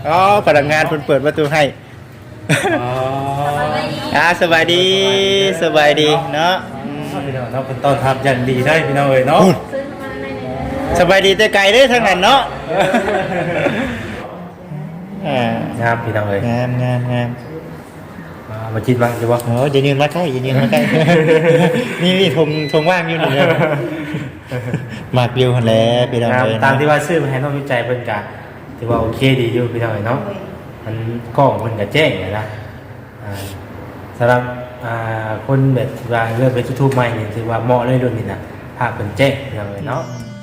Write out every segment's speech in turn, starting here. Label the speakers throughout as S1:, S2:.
S1: อ๋อพนักงานเพิ่นเปิดประตูให้สบายดีสบายดีเนาะ
S2: พี่น้องเราเป็นต้อนรับอย่างดีได้พี่น้องเอ้ยเนาะ
S1: สบายดีแต่ไกลเด้อทางนั้นเนาะ
S2: งามพี่น้องเอ้ย
S1: งาม
S2: มาคิดบ้างจะว่า
S1: อย่ายืนมาใกล้นี่ทงว่างอยู่นี่มากวิวหั่นแหละพี่น้องเอ้ย
S2: ตามที่ว่าซื้อมาให้น้องวิจัยเพิ่นก็ถือว่าโอเคดีอยู่พี่น้องเอ้ยเนาะมันกล้องเพิ่นก็แจ้งนะสำหรับคนแบบว่าเลือกเป็นยูทูบใหม่นี่ถือว่าเหมาะเลยรุ่นนี้นะภาพเป็นแจ้งพี่น้องเอ้ยเนาะ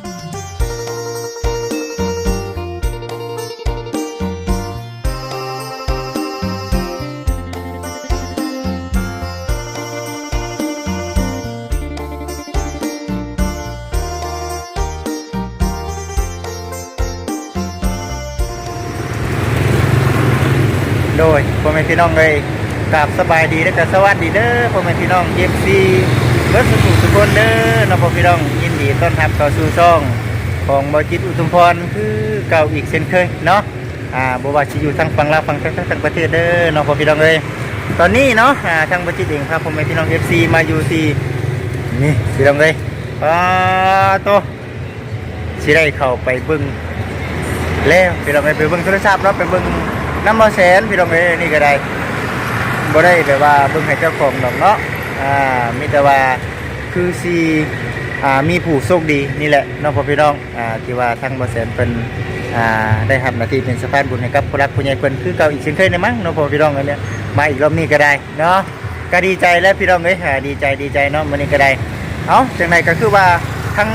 S1: โดยพ่อแม่พี่น้องเลยกราบสบายดีและก็สวัสดีเด้อพ่อแม่พี่น้อง FC เบิดสุขคนเด้อน้องพ่อพี่น้องยินดีต้อนรับเข้าสู่ช่องของบ่จิตอุทุมพรคือเก่าอีกเช่นเคยเนาะบ่ว่าสิอยู่ทางฝั่งลาวฝั่งไทยทั้งประเทศเด้อน้องพ่อพี่น้องเลยตอนนี้เนาะทางบ่จิตเองครับพ่อแม่พี่น้อง FC มาอยู่ที่นี่พี่น้องเลยโตสิได้เข้าไปเบิ่งแล้วพี่น้องไปเบิ่งโทรศัพท์เนาะไปเบิ่งน้ำบ่แสนพี่น้องเอ้ยนี่ก็ได้บ่ได้แบบว่าเบิ่งให้เจ้าของดอกเนาะมีแต่ว่าคือสิมีผู้โชคดีนี่แหละน้องพ่อพี่น้องที่ว่าทางบ่แสนเพิ่นได้รับหน้าที่เป็นสะพานบุญให้กับผู้รักผู้ใหญ่เพิ่นคือเก่าอีกเช่นเคยนะมั้งน้องพ่อพี่น้องเนี่ยมาอีกรอบนี้ก็ได้เนาะก็ดีใจแล้วพี่น้องเอ้ยดีใจเนาะมื้อนี้ก็ได้เอ้าจังได๋ก็คือว่าทั้ง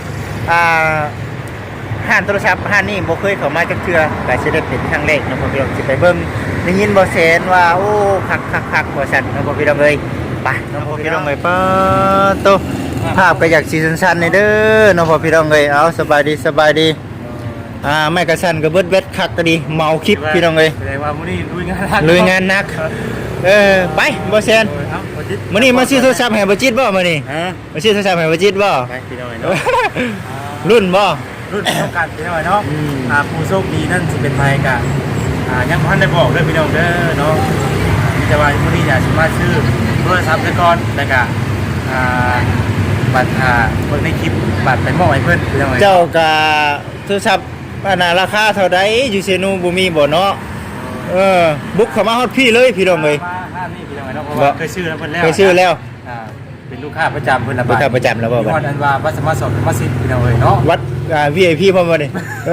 S1: ห้านโทรศัพท์ห้านนี้บ่เคยเข้ามาจักเทื่อก็สิได้เป็นครั้งแรกเนาะพ่อพี่น้องสิไปเบิ่งได้ยินบ่แสนว่าโอ้คักบ่ซั่นเนาะพ่อพี่น้องเอ้ยไปเนาะพ่อพี่น้องเอ้ยปะโตภาพก็อยากสิสั้นๆนี่เด้อเนาะพ่อพี่น้องเอ้ยเอาสบายดีแม่กระสั่นก็เบิดเวทคักก็ดีเมาคลิปพี่น้องเอ้ย
S2: แสดงว่ามื้อนี้
S1: ลุยงานหนักไปบ่แสนมื้อนี้มาซื้อโทรศัพท์ให้บ่จิตบ่มื้อนี้มาซื้อโทรศัพท์ให้บ่จิตบ่
S2: ไปพี่น้องเอ้ยเนาะ
S1: รุ่นบ่
S2: รุ่นต้องการพี่น้องเนาะผู้โชคดีนั่นสิเป็นไผก็ยังบ่ทันได้บอกเด้อพี่น้องเด้อเนาะมีแต่ว่ามื้อนี้อยากสิมาซื้อโทรศัพท์ซะก่อนแล้วก็บัตรเบิ่งในคลิปบัตรไปมอบให้เพิ่นพี่น้องเอ้ย
S1: เจ้าก็โทรศัพท์ราคาเท่าใดอยู่เซนูบ่มีบ่เนาะบุกเข้ามาฮอดพี่เลยพี่น้องเอ้ย
S2: มาห้านี่พี่น้องเอ้ยเนาะเพราะว่าเคยซื้อแล้วเพิ่นแล้ว
S1: เคยซื้อแล้ว
S2: เป็นลูกค้าประจำเพิ่นละบาท
S1: ลูกค้าประจำแล้วบ่บัด
S2: อันว่าวัดสมมาสอบมาสิพี่น้องเอ้ยเนาะ
S1: วัดVIP พร้อมบ่นี่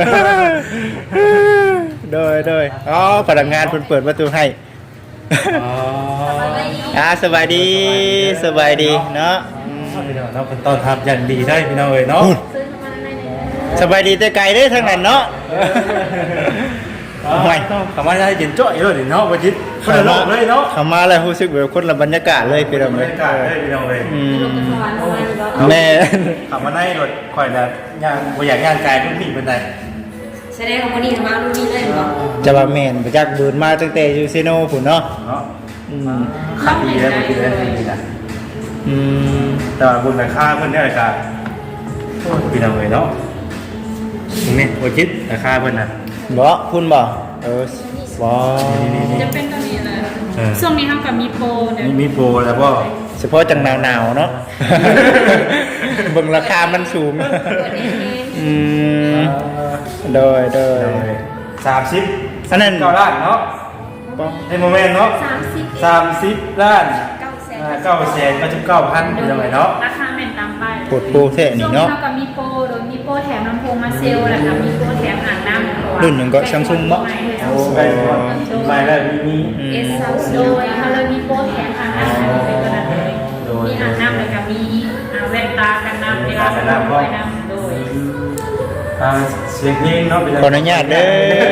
S1: โดยพนักงานเพิ่นเปิดประตูให้สบายดีเนาะ
S2: พี่น้องเราเป็นต้อนรับอย่างดีได้พี่น้องเอ้ยเนาะ
S1: สบายดีแต่ไกลเด้อทางนั้นเนาะ
S2: ไม่เข้ามาได้เย็นจ้อยเลยเนาะบ่จิตคนละโลกเลยเนาะ
S1: เข้ามาแล้วรู้สึกแบบคนละบรรยากาศเลยพี่น้องเอ้ย
S2: พี่น้องเอ้ย
S1: แม่
S2: เข้ามาได้รถค่อยละย่างบ่อยากย่างกายรุ่นนี้ปานใด
S3: แสดงว่ามื้อนี้มารุ่นนี้เลยบ่
S1: จะว่าแม่นไปจักบืนมาตั้งแต่อยู่ซิโนพุ่นเนาะ
S2: ขับดีแล้วบ่คิดได้ดีนะแต่ว่าบุญราคาเพิ่นได้ก็พี่น้องเอ้ยเนาะนี่บ่คิดราคาเพิ่นน่ะ
S1: บ่คุณบ่บ่
S3: จะเป็นตัวนี้แหละช่วงนี้เฮาก็มีโปรเนี่ย
S2: มีโปรแล้วบ่
S1: เฉพาะจังหนาวๆเนาะเบิ่งราคามันสูงโดย
S2: 30อันนั้น9ล้านเนาะในโมเมนต์เนาะ30ล้าน999,000เป็นยังไงเนาะ
S3: ราคาแม่นตามป้าย
S1: กดโปรแท้นี่เนาะ
S3: เฮาก็มีโปรโดยมีโปรแถมลำโพงมาเซลแล้วก็มีโปรแถมอ่างน้ำ
S1: รุ่นหนึงก็ Samsung บ่
S2: โอ้ไปแล้วมี
S3: โดยเฮาเลยมีโปรแถมอ่างน้ำเป็นตัวนั้นเลยมีอ่างน้ำแล้วก็มีแว่นตากันน้ำเวลาไปน้ำโดย
S2: เสียงเพลงเนาะ
S1: ขออนุญาตเด้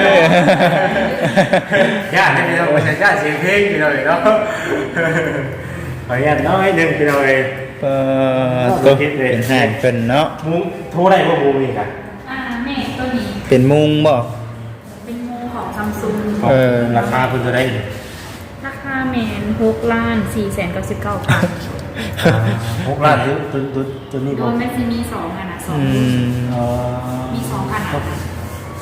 S2: อญาติพี่น้องญาติเสียงเพลงพี่น้องเนาะขออนุญาตน้อยนึงพี่น้อง
S1: ตัวเป็นห้างเป็นเนาะ
S2: มุ้งโทรได้บ่มุ้งนี่กัน
S3: แม่ตัวนี้
S1: เป็นมุ้งบ่
S3: เป็นมุ้งของ Samsung
S2: ราคาเพิ่นเท่าใด
S3: ราคาแม่น6,499,000
S2: 6ล้านตัวนี้บ่
S3: มันสิมี2อ่ะนะ2มี2ขนาด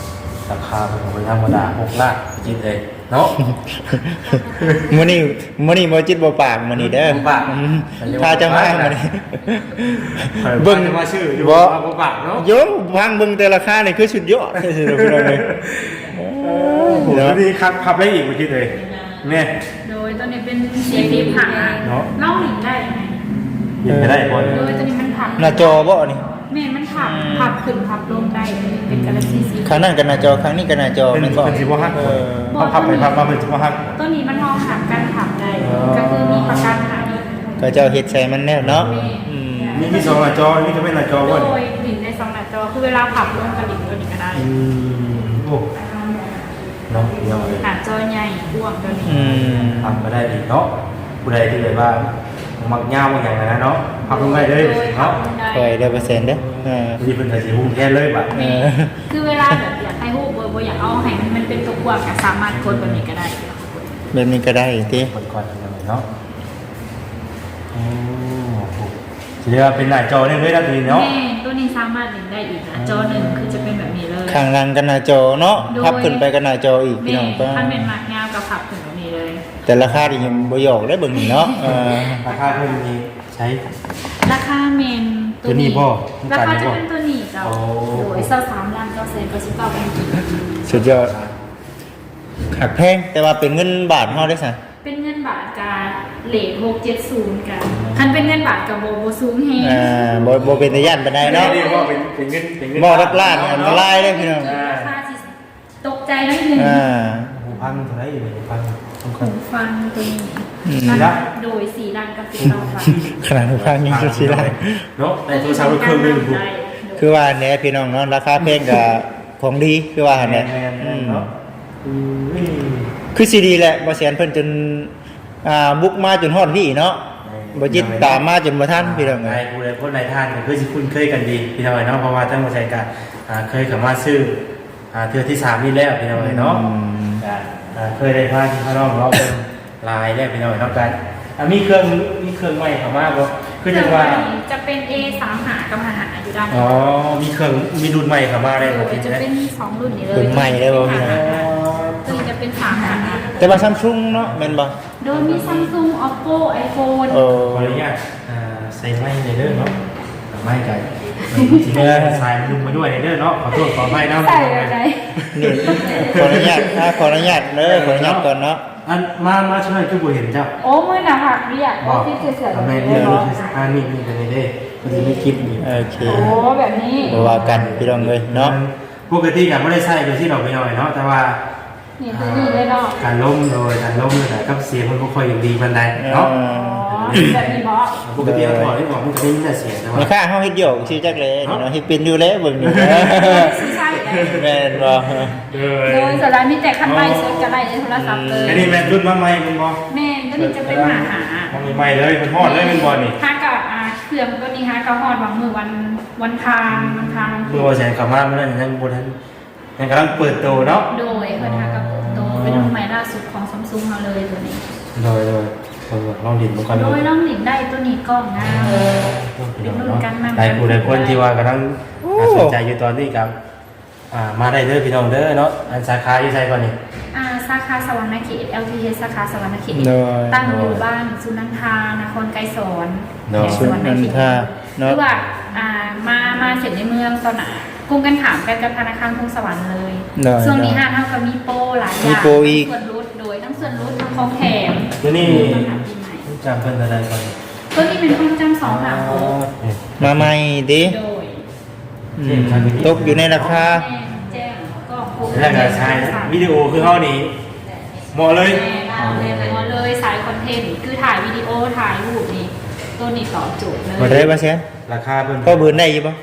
S2: ราคาเป็นธรรมดา6ล้านจิตเลยเนาะ
S1: มื้อนี้บ่จิตบ่ปากมื้อนี้เด้อ
S2: บ่ปาก
S1: ถ้าจะมามื้อนี้
S2: เบิ่งมาชื่ออยู่บ่ปากเนาะ
S1: โยมฟังเบิ่งแต่ราคานี่คือสุดยอดเลย
S2: เดี๋ยวนี้ขับได้อีกเมื่อกี้เลยเนี่ย
S3: โดยตัวนี้เป็นเสียงที่ผัก
S2: เนาะ
S3: เล่าหลิงได้ไหม
S2: ยิงไปได้บ่อย
S3: โดยตัวนี้มันผัก
S1: หน้าจอบ่นี่
S3: แม่มันผักขึ้นผักลงได้เป็นกาแล็กซี่สี
S1: ครั้งนั้นก็หน้าจอครั้งนี้ก็หน้าจอ
S2: เป็น
S1: แม่นบ่
S2: สิบ่ฮักเขาขับไปขับมาเป็นสิบ่ฮัก
S3: ตัวนี้มันมองหักการผักได้ก็คือมีประกันหาอีก
S1: ก็เจ้าเฮ็ดใส่มันแน่เนาะอืม
S2: มี2หน้าจอนี่ก็เป็นหน้าจอ
S3: โด
S2: บ่
S3: ยหลิงในสองหน้าจอคือเวลาผักลงกับหลิงตัวนี้ก็ได้
S2: โอ้เนาะเนาะ
S3: หน้าจอใหญ่กว้างตัวนี้
S1: อืม
S2: ทำมาได้ดีเนาะผู้ใดที่เลยว่ามักยาวอย่างนั้นเนาะขับลงได้เลยเนาะ
S1: ค่อยได้เปอร์เซ็นต์เด้อ
S2: นี่เป็นแต่สิหุ้มแค่เลยบัด
S3: คือเวลาแบบอยากให้หูเบอร์อยากเอาให้มันเป็นตัวกว้างก็สามารถกดแบบนี้ก็ได้
S1: แบบนี้ก็ได้ติ
S2: คนก่อนยังไงเนาะโอ้โหเรียกว่าเป็นหน้าจอเนี่ยเลยนะทีเนาะ
S3: แม่ตัวนี้สามารถหลิงได้อีกนะจอหนึ่งคือจะเป็นแบบนี้เลย
S1: ข้างล่างก็หน้าจอเนาะพับขึ้นไปก็หน้าจออีกพี่
S3: แม่
S1: น้องก็
S3: ท่านเป็นหมากงาวกับผักถึงแบบนี้เลย
S1: แต่ราคาที่ยังบ่หยอกได้เบิ่งนี่เนาะ
S2: ราคาเพิ่มนี้ใช้
S3: ราคาเมน
S2: ตัวนี้บ่
S3: ราคาจะเป็นตัวนี้เจ้า
S2: โอ้
S3: โดย23ล้าน999เป็นกี่
S1: สุดยอดหักแพงแต่ว่าเป็นเงินบาทเฮาได้ซะ
S3: เป็นเงินบาทกับเลท670กันคันเป็นเงินบาทกับโบสูงแฮง
S1: บ่เป็นตาย่านปานใดเนาะ
S2: เรียกว่าเป็นเงินเป็นเงิน
S1: บ่รักล้านอันตรายเด้อพี่น้อง
S3: ราคาสิตกใจนิดนึง
S2: หูพังเท่าไหร่อยู่หูพังสำคั
S3: หู
S2: ญ
S3: ฟังตัวนี้
S2: ละ
S3: โดย4ล้านกับ19บาท
S1: ขนาดหูฟังยังสิได้
S2: เนาะในโทรศัพท์เครื่องนึงถูก
S1: คือว่าแหน่พี่น้องเนาะราคาแพงก็ของดีคือว่าหั่นแหละ
S2: แมนเนาะ
S1: คือสิดีแหละบ่แสนเพิ่นจนบุกมาจนฮอดพี่เนาะบ่จิตตามมาจนบ่ทันพี่น้อง
S2: นาย
S1: เอ้ย
S2: ผู้ใดคนนายท่านก็คือสิคุ้นเคยกันดีพี่น้องเนาะเพราะว่าทั้งบริษัทก็เคยเข้ามาซื้อเทื่อที่3นี่แล้วพี่น้องเนาะเคยได้พาที่พี่น้องเราเป็นลายได้พี่น้องเนาะกันมีเครื่องใหม่เข้ามาบ่คือจังว่า
S3: จะเป็น A35 กับ55อยู่ด้าน
S2: อ๋อมีรุ่นใหม่เข้ามาได้บ่ที่
S3: จะ
S2: จะได้
S3: เป็น2รุ่นนี้เลย
S1: รุ่นใหม่ได้บ่พี่น้อง
S3: ตัวนี้จะเป็น35
S1: แต่ว่า Samsung เนาะแม่นบ่
S3: โดยมี Samsung Oppo iPhone
S1: เออ
S2: ขออนุญาตใส่ไม้ในเด้อเนาะไม่กันทีนี้ใส่ลุงมาด้วยในเด้อเนาะขอโทษขออภัยนะ
S3: ใส่อะไร
S1: นี่ขออนุญาตขออนุญาตเด้อขออนุญาตก่อนเนาะ
S2: อันมาช่วยคือบ่เห็นเจ้า
S3: โอ้มือหนาหักเรียก
S2: บอก
S3: ที่เสือ
S2: ทำไม
S3: ๆ
S2: เรียก
S3: เนาะ
S2: นี่กันในเด้มันจะไม่คิดนี่
S1: โอเค
S3: โอ้แบบนี้
S1: บ่ว่ากันพี่น้องเอ้ยเนาะ
S2: ปกติก็ไม่ได้ใส่โดยที่เราไปหน่อยเนาะแต่ว่า
S3: นี่ตัวนี้เลยเนาะ
S2: การล้มแต่กับเสียงมันก็ค่อยอย่างดีบันไดเนาะ
S3: อ๋อแบบนี้เพราะ
S2: ปกติเราถอดที่บอกมันจะไม่มีแต่เสียงแต่ว่า
S1: มีค่าเฮาเฮ็ดโยกชื่อจักเลยเนาะเฮ็ดเป็นอยู่แล้วเบิ่งนี่
S3: ซีใช่
S1: แม่นบ่
S3: โดยสลายมีแต่คันไล่เซ็ตกันไล่ในโทรศัพท์เลย
S2: อันนี้แม่รุ่นมาใหม่มันบอ
S3: แม่ตัวนี้จะเป็นหา
S2: มันใหม่เลยมันทอดเลยมันบอนี่
S3: ฮากับเครื่องตัวนี้ฮะก็ฮอดบางมือวันทาง
S2: เมื่อวันแสนขับมาเมื่อนั้นยังบนนั้นยังกำลังเปิดโตเนาะ
S3: โดยเพิ่นฮากับโตเป็นรุ่นใหม่ล่าสุดของ Samsung เราเลยตัวนี้
S2: โดยลองดินมันกัน
S3: โดยน้องหลินได้ตัวนี้กล้องงาม
S2: หลายผู้หลายคนที่ว่ากำลังสนใจอยู่ตอนนี้ครับมาได้เด้อพี่น้องเด้อเนาะอันสาขาอยู่ไสก่อนนี่
S3: สาขาสวรรณเขต LTH สาขาสวรรณเขต
S1: โดย
S3: ตั้งอยู่บ้านสุนันทานครไกรสอนสวรรณเขต
S1: เนาะ
S3: คือว่ามาเสร็จในเมืองตอนไหนกุ้งกันถามกันกับธนาคารกรุงสวรรค์เลยช่วงนี้ห้างเท่ากับมีโปรหลายอย่างส่วนลดโดยทั้งส่วนลดทั้งของแถม
S2: ตัวนี้จำเป็นอะไรก่อน
S3: ตัวนี้เป็นความจำ2หลัก
S1: มาใหม่ดิ
S3: โดย
S1: ตกอยู่ในราคา
S3: แจ้งก็คง
S2: แล้วก็ใช้วิดีโอคือเฮานี่เหมาะเลย
S3: เลยสายคอนเทนต์คือถ่ายวิดีโอถ่ายรูปนี่ตัวนี้ตอบโจทย์เลย
S1: บ่ได้บ่แซน
S2: ราคาเป็น
S1: ก็บืนได้อยู่บ่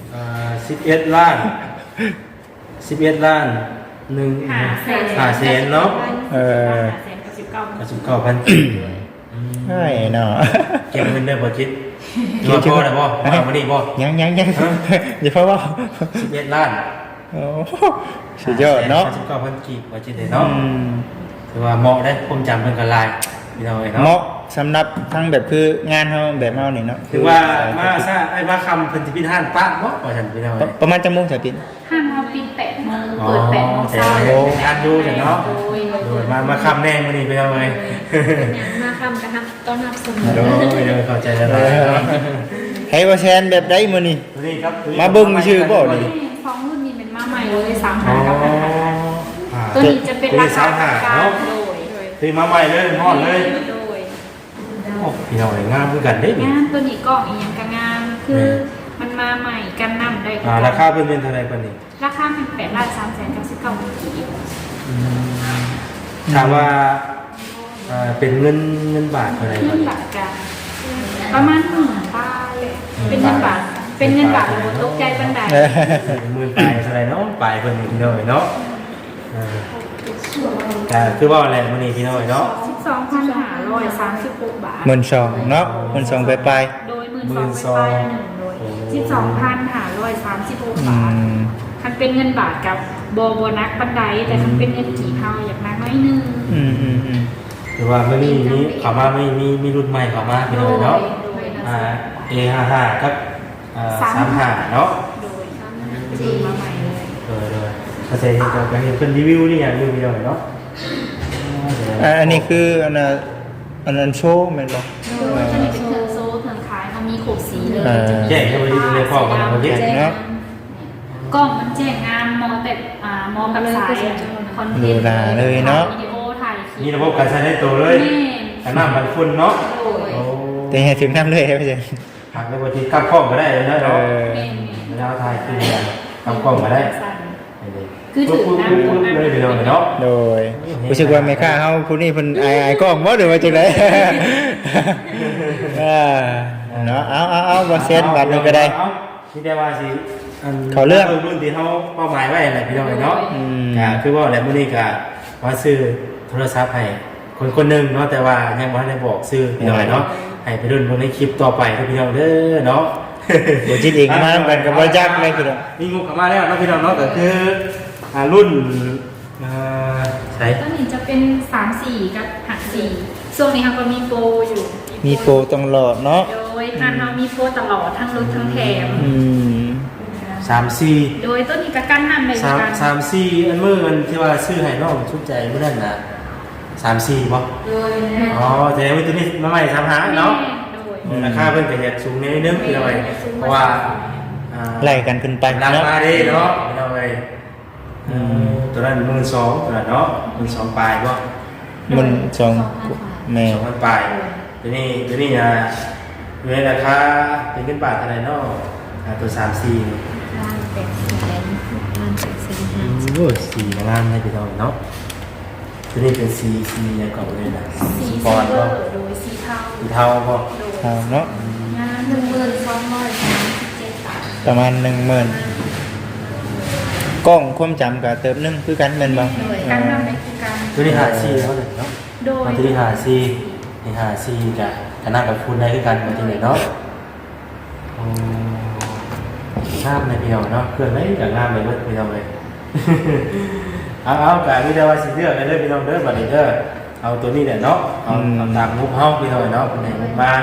S2: 11 ล้าน11 ล้าน5แสนเนาะ 99,000
S1: ใช่เนาะ
S2: เก็บเงินได้บ่จิตรอพอได้บ่มาวันนี้บ่
S1: ยังอย่าเพราะว่า
S2: 11 ล้าน
S1: โอ้สุดยอดเนาะ
S2: 99,000กีบบ่จิตเนาะถือว่าเหมาะได้ผมจำเป็นกันลายพี่น้องเอ้ย
S1: เหมาะ
S2: เนาะ
S1: สำหรับทั้งแบบคืองานเฮาแบบเฮานี่เนาะ
S2: ถือว่ามาซะไอ้มาคำเพิ่นสิปิดห้านปะบ่ว่าซั่นพี่น้องเอ้ย
S1: ประมาณจังโมงจะปิด
S3: ห้างเราปิด8 โมงเปิด8 โมงเช้า
S2: ทานดูเนาะโดยมาคำแน่มื้อนี้ไปเอาเลย
S4: มาคำกันครับต้อนรับเสมอ
S2: โดยเข้าใจแล้วเนาะ
S1: ให้บ่แซนแบบใดมื้อนี้
S2: มื้อนี้ครับ
S1: มาเบิ่งชื่อบ่นี่
S3: สองรุ่นนี้เป็นมาใหม่เลย35กับ5,500ตัวนี้จะเป็นราคา
S2: เนาะ
S3: โดย
S2: ซื้อมาใหม่เลยฮอดเลย
S3: โดย
S2: โอ้พี่น้องงามคือกันเด้นี่
S3: งานตัวนี้กล่องอีกอย่างกับงานคือมันมาใหม่กันนำได้
S2: ราคาเพิ่นเป็นเท่าไหร่ปานนี้
S3: ราคาเป็น8,399,000 กีบ
S2: ถามว่าเป็นเงินบาทเท่าไหร่
S3: เงินบาทกันประมาณ10,000 บาทเป็นเงินบาทโอ้ตกใจปันใด
S2: หมื่นปลายเท่าไหร่เนาะปลายเพิ่นพี่น้องเนาะแต่คือว่าอะไรมื้อนี้พี่น้องเนาะ
S3: 12,536 บาท
S1: 12,000เนาะ12,000ไป
S3: โดย12,000ไปหนึ่งโดย12,536 บาทคันเป็นเงินบาทกับโบนักปันไดแต่คันเป็นเงินกี่เท่าอยากนักน้อยนึง
S2: หรือว่ามื้อนี้มีเข้ามาไม่มีรุ่นใหม่เข้ามาพี่น้องเนาะA55 กับ35เนาะ
S3: โดยจีมาใหม่เลย
S2: โดยก็จะเห็นกันเห็นเพิ่นรีวิวนี่อย่างอยู่พี่น้องเนาะ
S1: อันนี้คืออันนั้นโชว์แม่นบ่
S3: โดยจะมีเป็นเครื่องโซ่เครื่องขายเขามีโขกสีเลย
S2: แจ้งเข้าไปที่ในข้อของประเทศ
S1: เนาะ
S3: กล้องมันแจ้งงานมอแต่มอกับสายคอนเทนต์วิดีโอถ่ายคลิ
S2: มี
S3: ประ
S2: บบการใช้ในตัวเลยแต่น้ำมันฝุ่นเนาะ
S3: โดย
S1: แต่ให้ถึงน้ำเลยไม่ใช่
S2: หักในบางทีกำกล้องก็ได้เลยนะเนาะ
S3: เมน
S2: เวลาถ่ายขึ้นกำกล้องก็ได้
S3: คือถือน้ำ
S2: ปุ๊บเลยพี่น้องเนาะ
S1: โดยรู้สึกว่าแม่ค้าเฮาผู้นี้เพิ่นอายกล้องบ่หรือว่าจังได๋เนาะเอาบ่เซ็นบัตรนึงก็ได้
S2: ที่ได้ว่าสิรุ่นที่เขาเป้าหมายไว้แหละพี่น้องเนาะคือว่าอะไรมื้อนี้ก็ว่าซื้อโทรศัพท์ให้คนหนึ่งเนาะแต่ว่ายังบ่ได้บอกซื้อพี่น้องเนาะให้ไปรุ่นในคลิปต่อไปพี่น้องเด้อเนาะ
S1: บ่จิตเองมากันก็บ่จักเลยคือ
S2: มีงูเข้ามาแล้วนะพี่น้องเนาะก็คือรุ่นใช่
S3: ต้นนี้จะเป็น3-4กับหัก4ช่วงนี้เขาก็มีโปรอยู่
S1: มีโปรต้องรอดเนาะ
S3: โดยทางเรามีโปรตลอดทั้งรถทั้งแถม
S2: 3-4
S3: โดยต้นนี้ก็กั้นนำเลยกัน
S2: 3-4อันมื้อมันที่ว่าซื้อให้น้องชุดใจมื้อนั้นน่ะ3-4บ่
S3: โดย
S2: อ๋อแต่ว่าตัวนี้มาใหม่3-5เนาะ
S3: โดย
S2: ราคาเพิ่นก็จะสูงนิดนึงพี่น้องเพราะว่า
S1: ไล่กันขึ้นไป
S2: รา
S1: เนาะ
S2: คาดีเนาะพี่น้องตัวนั้น12,000ตัวนั้นเนาะ12,000ปลายบ่
S1: มัน2แม่
S2: 2,000ปลายตัวนี้อยู่ในราคาเป็นเงินบาทเท่าไหร่เนาะตัว3-4
S4: ล้าน800,000
S2: โอ้4ล้านให้พี่น้องเนาะตัวนี้เป็นสียังก่อนเลยนะ
S3: สี
S2: ปอนด์
S3: เวอ
S2: บ่
S3: ร์โดยสีเทา
S2: สีเทาบ่
S1: เอาเนาะ
S3: งาน12,237 บาท
S1: ประมาณ 10,000กล้องความจำก็เติมนึงคือกันแม่นบ่
S3: โดยการนำในคือการ
S2: ตัวนี้54เท่าไหร่เนาะ
S3: โดย
S2: ตัวนี้54นี่54กับคณะกับคุณได้คือกันมาที่ไหนเนาะงามเลยพี่น้องเนาะเพื่อนไม่อยากงามเลยเว้ยพี่น้องเลย เอากะมีแต่ว่าสิเลือกกันเด้อพี่น้องเด้อบัดนี้เด้อเอาตัวนี้แหละเนาะเอาตามงบเฮาพี่น้องเนาะเป็นไหนงบมา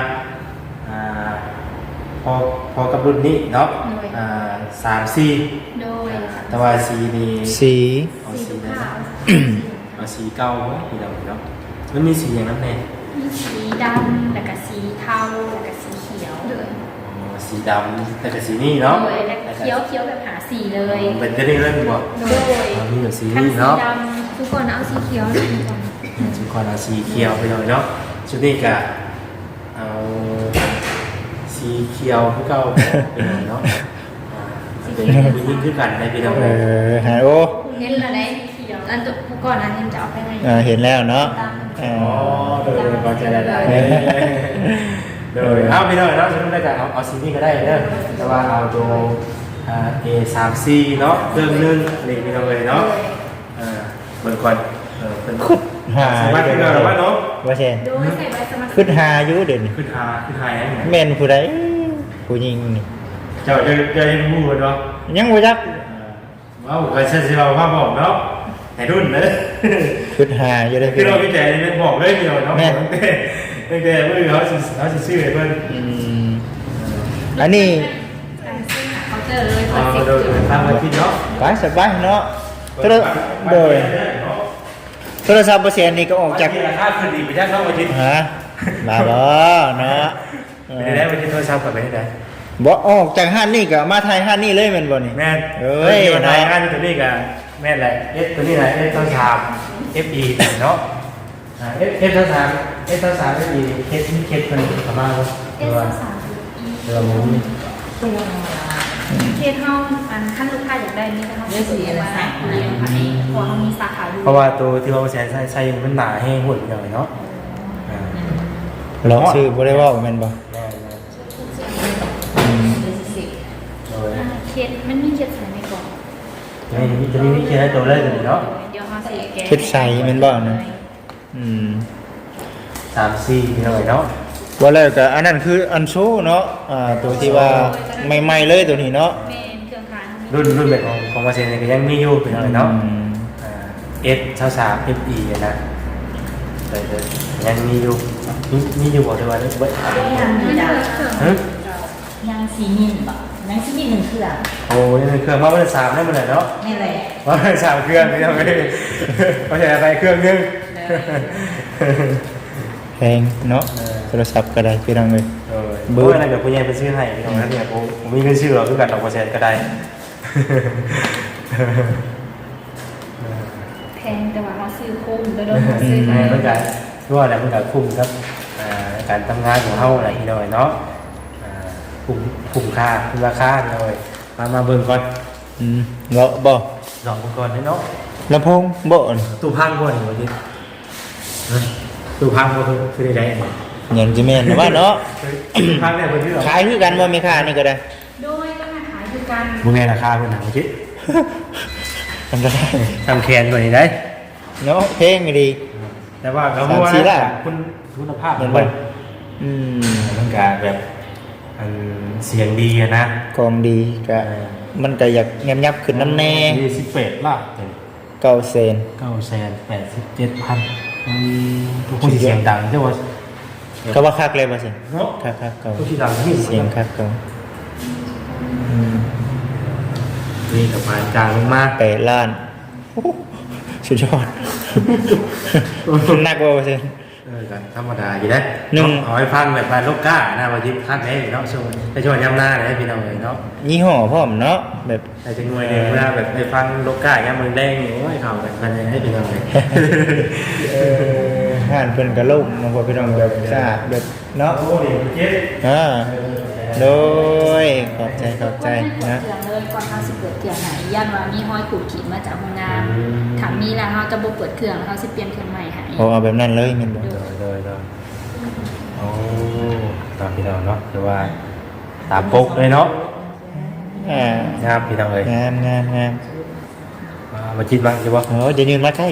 S2: พอกับรุ่นนี้เนาะ3-4
S3: โดย
S2: แต่ว่าสีนี่
S1: สี
S2: เอาสีนะเอาสีเก่าไว้พี่น้องเนาะมันมีสีอย่างนั้นแน่
S3: มีสีดำแล้วก็สีเทาแล้วก็สีเขียวเลย
S2: สีดำแต่กับสีนี่เนาะ
S3: โดยแล้วก็เขียวแบบหาสีเลย
S2: เป็นจะได้เล่นบ่
S3: โดย
S2: มีแบบสี
S3: ทั้ง
S2: นี่
S3: สี
S2: เนาะ
S3: ด
S4: ทุกคนเอาสีเขียวหน่อยก่อน
S2: ชุดก่อนเอาสีเขียวไปหน่อยเนาะชุดนี้ก็เอาสีเขียวคือเก่าไปหน่อยเนาะเป็นยิ่งขึ้นกันในพี่น้องเลย
S1: หาโอ
S4: เห็นแล้วได้อันตัวผู้ก่อนอันนี้จะเอาไปให้
S1: เห็นแล้วเนาะ
S2: อ๋อโดยพอใจได้โดยเอาพี่น้องเนาะชุดนี้ก็เอาสีนี้ก็ได้เด้อแต่ว่าเอาตัวA3C เนาะเครื่องนึงนี่พี่น้องเลยเนาะเบิ่งก่อนเป็น
S1: หา
S2: สามารถขึ้นได้หรือว่าเนาะ
S1: ว่าเช่น
S3: ำโดยใส่ใบสมัคร
S1: ขึ้นหาอยู่เด่น
S2: ขึ้นหายนะ
S1: แม่นผู้ใดผู้หญิงนี่
S2: เจ้าจะได้พูดเนาะ
S1: ยังบ่จัก
S2: ว้าวเคยเช่นที่เราภาพบอกเนาะให้รุ่นนะ
S1: ขึ้นหาอยู่ได้
S2: คือเราพี่แต่เป็นบอกเลยพี่น้องเนาะตั้งแต่เมื่อเขาซื้อให้เพิ่น
S1: อันนี้
S3: เขาเจอเลย
S2: โดยทางมาคิดเนาะ
S1: ไปสบายเนาะ
S2: ไป
S1: โทรโดยโทรศัพท์เปอร์เซ็นต์นี่ก็ออกจาก
S2: ราคาขึ้นดีไปได้เข้ามาทิศ
S1: ฮะมาบ่เนาะ
S2: ไม่ได้ไปที่โทรศัพท์กับไม่ได้
S1: บ่ออกจากห้านนี่ก็มาไทยห้านนี่เลยแม่นบ่นี่
S2: แม่น
S1: เอ้ย
S2: นายงานตัวนี้กับแม่นอะไรเอฟตัวนี้ไหนเอฟตัวสาม FE เนาะเอฟตัวสามFE เคสนี่เคสคนประมาณว่า
S3: S3
S2: เรือมุ้ง
S3: เคสห้องอันขั้นลูกค้าอยากได้นี่นะคะสีอะไรสักเลี้ยงค่ะนี่พอเขามีสาขาอยู่
S2: เพราะว่าตัวที่ว่าใช้มันหนาแห้งหุ่นหน่อยเนาะ
S1: ลองชื่อบ่ได้เว้าแม่นบ่
S2: แน่นะ โดย
S3: เคสมันมีเคสใส่ในกล่อง
S2: จะมีเคสให้ตัวเลยเนาะ
S3: เดี๋ยวเขาใส่แก
S1: คิดใส่แม่นบ่นะอืม
S2: 3-4หน่อยเนาะ
S1: ว่าแล้วก็อันนั้นคืออันโชว์เนาะตัวที่ว่าใหม่ๆเลยตัวนี้เนาะ
S3: เป็นเครื่องค้าง
S2: รุ่นแบบของมาเซนก็ยังมีอยู่เป็นอะไรเนาะ S23 FE นะเลยยังมีอยู่บอกได้ว่าเบิด
S4: ยังมีจ้ะ
S2: ฮะ
S4: ยังสีมินบ่ยังสีมินหนึ่งเครื่อง
S2: โอ้ยเครื่องมาวันสามได้มันเลยเนาะ
S4: นี่เลย
S2: วันสามเครื่องนี่ทำไมเขาใช้ไปเครื่องนึง
S1: แพงเนาะโทรศัพท์ก็ได้พี่น้องเอ้ย
S2: เบอร์อะไรแบบคุณยายไปซื้อให้พี่น้องนะเนี่ยผมมีเงินซื้อหรอกคือกันดอกเปอร์เซ็นต์ก็ได้
S3: แพงแต่ว่าเขาซื้อคุ้มโดยเขาซื้อ
S2: เมื่อกี้ที่ว่าอะไรเมื่อกี้คุ้มครับการทำงานของเขาอะไรที่หน่อยเนาะคุ้มค่าคุ้มราคาเลยมาเบิ่งก่อน
S1: เงาะบ่
S2: ลองก่อนเนาะ
S1: ลำโพงบ่นี่
S2: ตู้พังก่อนวันนี้ตู้พังก็คือได้เนี่ย
S1: ยังสิแม่นนะว่าเนาะ
S2: ตู้พังเนี่ยเพิ่นชื่อ
S1: ขายคือกันบ่มีค่านี่ก็ได้
S3: โดยก็มาขายคือกัน
S2: มึงไงราคาเพิ่นหนังคิด
S1: มันก็ได้
S2: ทำแคนกว่านี้ได้
S1: เนาะเพลงก็ดี
S2: แต่ว่าเขาบอกว่าคุณภาพมันแบบมันกาแบบเสียงดีนะ
S1: กองดีก็มันก็อยากแงมยับขึ้นน้ำแน่
S2: 18ล่ะ
S1: 9เซน
S2: 987,000ทุกคนเสียงดังใช่ไหม
S1: ก็ว่าคักเลยบ่สิ
S2: เนาะ
S1: คักๆเก่า
S2: ทุกที่ดังที่
S1: เสียงคักเก่า
S2: นี่กับมาจางลงมา
S1: 8 ล้านโอ้โหสุดยอดหนักบ่สิ
S2: กันธรรมดาอยู่ได้
S1: หนึ่ง
S2: เอาให้ฟังแบบมาโลกก้านะวันที่คัดได้เนาะช่วงในช่วงย้ำหน้าเลยพี่น้องเลยเนาะ
S1: ยี่ห้อพร้อมเนาะแบบ
S2: แต่จะงวยเนี่ยเวลาแบบไปฟังโลกก้าย้ำมือแดงโอ้ยเข่ากันมันให้พี่น้องเลย
S1: ห่านเพิ่นก็ล่มมาพอพี่น้องแบบสะอาดแบบเนาะ
S2: โอ้ยเจ๊
S1: โดยขอบใจนะ
S3: เกลือเลยก่อนเขาสิเปิดเครื่องไหนยันว่ามีห้อยขูดขีดมาจากโรงงานถามมีแล้วเขาจะบ่เปิดเครื่องเขาสิเปลี่ยนเครื่องใหม่ให้
S1: เอาแบบนั้นเลยแม่นบ่
S2: โดยโอ้ตามพี่น้องเนาะหรือว่าตามปกเลยเนาะ นะครับพี่น้องเลย
S1: งาม
S2: มาคิดบ้างใช่ปะ
S1: โอ้จะยืนมาใกล้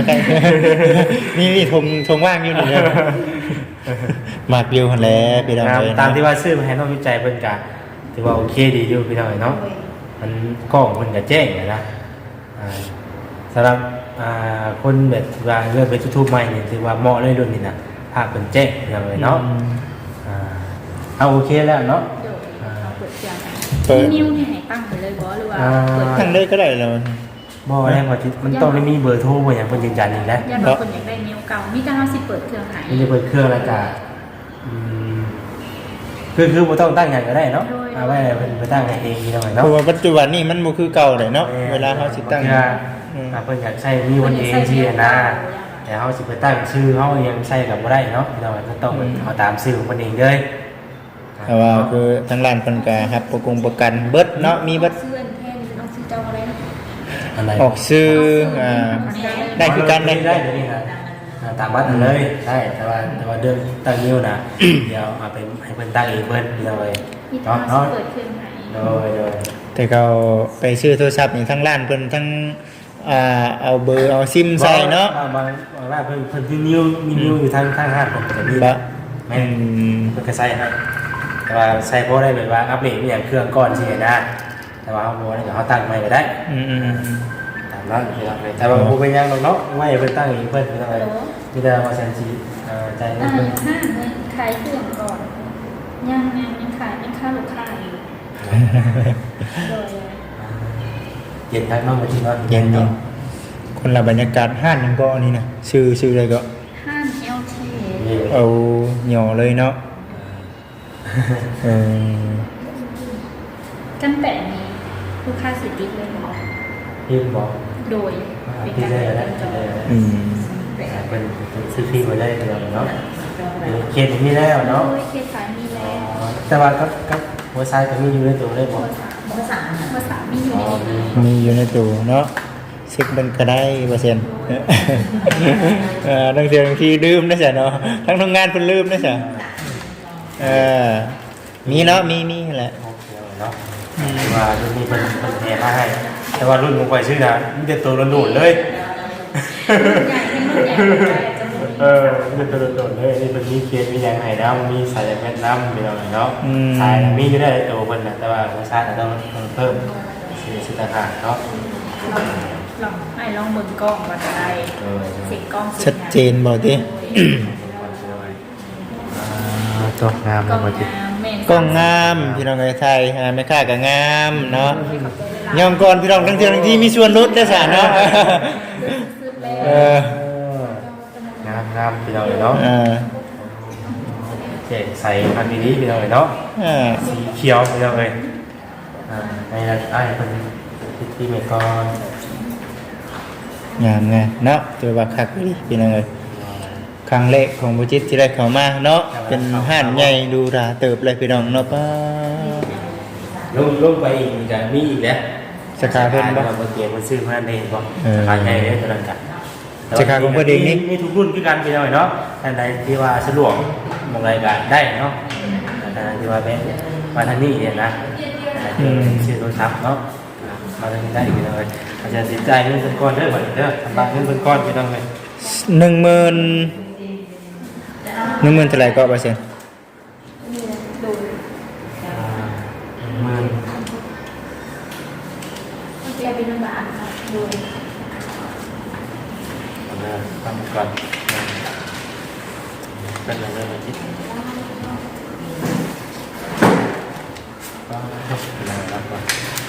S1: นี่ทงว่างอยู่นี่เลยมากวิวหั่นแหละพี่น้องเลย
S2: ตามที่ว่าซื้อมาให้น้องวิจัยเพิ่นกะถือว่าโอเคดีอยู่พี่น้องเนาะมันกล้องเพิ่นกะแจ้งเลยนะสำหรับคนแบบว่าเลือกไปทุกๆใหม่นี่ถือว่าเหมาะเลยรุ่นนี้นะภาพเป็นแจ้งพี่น้องเลยเนาะเอาโอเคแล้วเนาะ
S3: เดี๋ยวเขาเปิดเครื่องให้นิ้วนี่ให้ตั้งไปเลยบ่หรือว่าเปิด
S1: ทั้งเลยก็ได้แล้ว
S2: บ่แรงกว่าที่มันต้องได้มีเบอร์โทรบ่อย่างเพิ่นยืนยันอีกแล้ว
S3: ยันว่าคนอยากได้นิ้วเก่ามีแต่เขาสิเปิดเครื่องให้
S2: มันจะเปิดเครื่องแล้วก็คือบ่ต้องตั้งอย่างก็ได้เนาะเอาไว้ไปตั้งให้เองพี่น้อง
S1: เพ
S2: เนาะ
S1: ราะว่าปัจจุบันนี่มันบ่คือเก่าเลยเนาะเวลาเขาสิตั้ง
S2: เพิ่นอยากใช้มีวันเองที่นะแต่เฮาสิไปตั้งชื่อเฮายังใช้กับบ่ได้เนาะพี่น้องก็ต้องเอาตามชื่อของเพิ่นเองเลย
S1: แต่ว่าคือทางร้านเพิ่นก็ครับประกันเบิดเนาะมีเบิด
S3: เสื้อแค่นี้ต้องซื้อเจ้าอะไรนะ
S2: อะไร
S1: ออกซื้อได้คือกันได้
S2: ได้นี่นะตามวัดเลยใช่แต่ว่าเรื่องตั้งนิ้วนะเดี๋ยวเอาไปให้เพิ่นตั้งเองเพิ่นพี่น้องเลย
S3: มีแต่เขาสิเปิดเครื่องให้
S2: โดย
S1: แต่เขาไปซื้อโทรศัพท์นี่ทั้งร้านเพิ่นทั้งเอาเบอร์เอาซิมใส่เนาะ
S2: บางว่าเพิ่นที่นิ้วมีนิ้วอยู่ทางห้างผมก็จะมี
S1: บะ
S2: แม่เพิ่นก็ใส่ให้แต่ว่าใส่เพราะได้แบบว่าอัปเดตอย่างเครื่องก่อนสินะแต่ว่าเฮาบ่ได้เฮาตั้งใหม่ก็ได้ตามนั้นพี่น้องเลยแต่ว่าบ่เป็นหยังหรอกเนาะไว้เพิ่นตั้งเองเพิ่นอะไรมีแต่ว่าฉันสิใจ
S3: อ่า
S2: เพิ่น
S3: ห้าเงินขายเครื่องก่อนยังขายเป็นค่าลูกค้าอยู่โดย
S2: เย็นทักน้องมาที่ว่า
S1: เย็นคนละบรรยากาศห้านยังก็อันนี้นะชื่ออะไรก็
S3: ห้ามเอลที
S1: เอาหย่อเลยเนาะเออ
S3: จำแต่นี้ลูกค้าสิติดเลยเหรอ
S2: พี่บอก
S3: โดยเป็น
S2: พี่
S3: การ
S2: ได้แล้ว
S3: จอง
S1: อืม
S2: เป็นซื้อพี่มาได้เลยเนาะเขียนมีแล้วเนาะ
S3: โดยเคสสายมีแล้ว
S2: แต่ว่าก็หัวซ้ายก็มีอยู่ในตัวได้บอก
S3: ภาษามีอยู่ในนี้
S1: มีอยู่ในตู้เนาะเช็คมันก็ได้เปอร์เซ็นต์บางทีลืมนะจ๊ะเนาะทั้งทำงานเพิ่นลืมนะจ๊ะมีเนาะมีแหละ
S2: โอเคเนาะว่ารุ่นนี้เป็นแถมมาให้แต่ว่ารุ่นผมไปชื่อนะมันจะตัวโดดเลย
S3: ใหญ่เป็นรุ่นใหญ่จะหมด
S2: มันจะโดดเลยนี่เป็นมีเคสมีอย่างไห้น้ำมีสายแม่น้ำมีอะไรเนาะสายมีอยู่ได้ตัวคนนะแต่ว่าหัวซ้ายต้องเพิ่มสิทธิ์ต่างเนาะ
S3: ลองให้ลองเบิ่งกล้องว่าจะได้เสียงกล้อง
S1: ชัดเจนบ่ติ
S2: ตัวงาม
S3: กล้
S2: นะ
S3: อง
S2: มาจิ
S3: งามแม่น
S1: ก็งามพี่น้องไทยแม่ค้าก็งามเนาะยอมก่อนพี่น้องทั้งที่มีส่วนลดได้ซะเนาะเออง
S2: ามพี่น้องเนาะเจ๊ใส่พันธุ์นี้พี่น้องเนาะสีเขียวพี่น้องเลยในไอ้เป็นที่เมกอน
S1: งามไงเนาะถือว่าคักดีพี่น้องเอ้ยครั้งแรกของบ่จิตที่ได้เข้ามาเนาะเป็นห้านใหญ่ดูราเติบเลยพี่น้องเนาะป้า
S2: ลงไปอีกจะมีอีกแล้ว
S1: สาขาเพิ่นบ่
S2: เมื่อกี้มันซื้อมาเองบ่สาขาใหญ่เลยตอนนั้นกัน
S1: สาขาของเพิ่นเองนี่
S2: มีทุกรุ่นคือกันพี่น้องเนาะท่านใดที่ว่าสะดวกมองรายการได้เนาะท่านใดที่ว่าแม่มาทางนี้เนี่ยนะชื่อโทรศัพท์เนาะมาทางนี้ได้พี่น้องเลยอาจจะติดใจเงินเป็นก้อนเด้อบ่เด้อทำบัตรเงินเป็นก้อนพี่น้องเลย
S1: 10,000เท่าไหร่ก็เปอร์เซ็นต์
S2: หมื่น
S3: จะเป็นลำบากโดย
S2: ทำก่อนเป็นอะไรแบบนี้ก็จบแล้วครับก่อน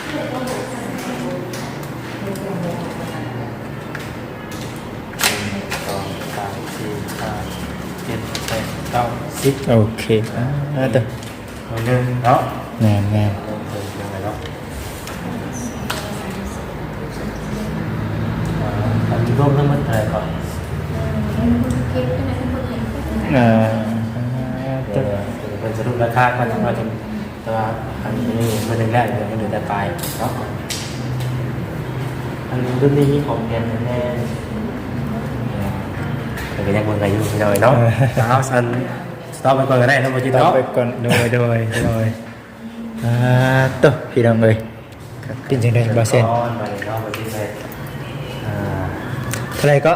S2: 1 2 3 4 5 7 8 9 10
S1: โอเคตัว
S2: หนึ่งเนาะ
S1: งาม
S2: เริ่มเลยเนาะอันนี้ร่วมทั้งหมดอะไรก่อน
S3: เคสเป็นอะไรเป็นคนเห็น
S2: ตัวเป็นสรุปราคาก็จะมาถึงตัวอันนี้มันแรกเลยมันเหลือแต่ปลายเนาะอันนี้รุ่นนี้มีของแทนแน่แต่ก็ยังเบิ่งกันอยู่พี่น้อยเนาะเอาสันสต็อปไปก่อนก็ได้นะโมจิ
S1: ต่อ
S2: เนาะ
S1: ไปก่อนโดยตัวพี่น้องเอ้ยเป็นจังได๋บ่เซ็น
S2: ไปเนาะโมจิไป
S1: เท่าไหร่ก็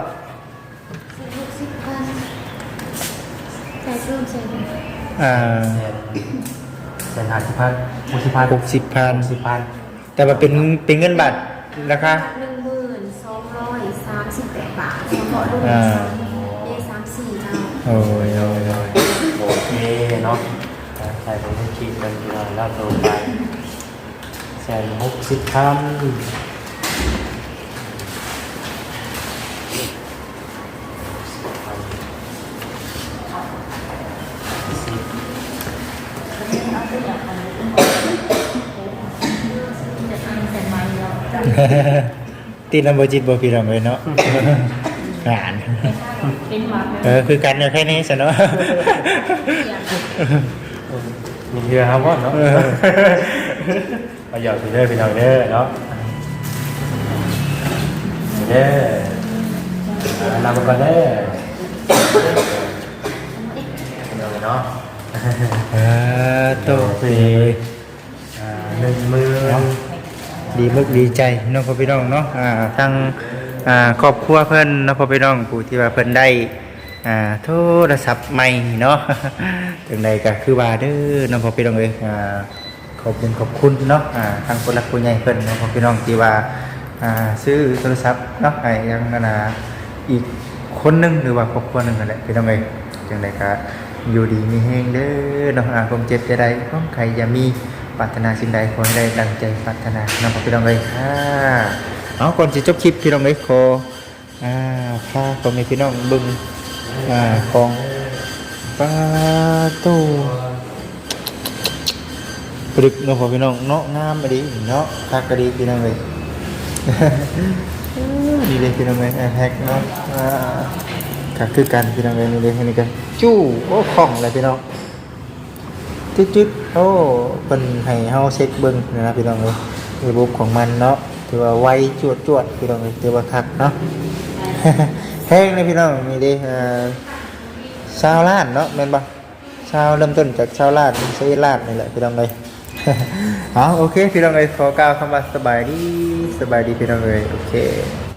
S4: ใส่เพิ่มใส่เพิ่ม
S2: เส้น50,000
S1: 60,000แต่ว่าเป็นเงินบาทราคา
S4: 1,238 บาทเฉพาะรุ่นA34เรา
S1: โอ้ย
S2: โอเคเนาะใส่ผมต้องคิดกันทีละรอบตัวไป160,000
S1: ตีนำบ่จิตบ่พี่น้องเอ้ยเนาะงาน
S3: เป็นหวัด
S1: คือกันเนี่ยแค่นี้ซะเนาะ
S2: มีเรือครับว่าเนาะประโยชน์เด้อพี่น้องเด้อเนาะเด้อนำมาเด้อเนาะ
S1: โต
S2: 10,000
S1: ดีมึกดีใจน้องพ่อพี่น้องเนาะทางครอบครัวเพิ่นน้องพ่อพี่น้องผู้ที่ว่าเพิ่นได้โทรศัพท์ใหม่เนาะ จังใดก็คือว่าเด้อน้องพ่อพี่น้องเอ้ยขอบคุณเนาะทางผู้หลักผู้ใหญ่เพิ่นน้องพ่อพี่น้องที่ว่าซื้อโทรศัพท์เนาะให้ยังอีกคนหนึงหรือว่าครอบครัวหนึงนั่นแหละพี่น้องเอ้ยจังใดก็อยู่ดีมีแฮงเด้อเนาะความเจ็บจะได้ของใครอย่ามีปรารถนาสิ่งใดขอให้ได้ดังใจปรารถนาน้องพี่น้องเอ้ยเอาก่อนสิจบคลิปพี่น้องเอ้ยขอพาพ่อแม่พี่น้องเบิ่งของปลาตู้ปลึกเนาะพ่อพี่น้องเนาะงามไปดิเนาะคักกะดีพี่น้องเลย นี่เลยพี่น้องเลยแฮกเนาะคักคือกันพี่น้องเลยนี่เลยนี่กันจู้โอ้ของอะไรพี่น้องจึ๊ดๆโอ้เป็นให้เฮาเช็คเบิ่งนะพี่น้องเลยระบบของมันเนาะถือว่าไวจวดพี่น้องเลยถือว่าคักเนาะ แห้งเลยพี่น้องนี่ดิชาวล้านเนาะแม่นบ่ชาวเริ่มต้นจากชาวล้านเซลาดนี่แหละพี่น้องเลย เอาโอเคพี่น้องเลยขอกล่าวคำว่าสบายดีพี่น้องเลยโอเค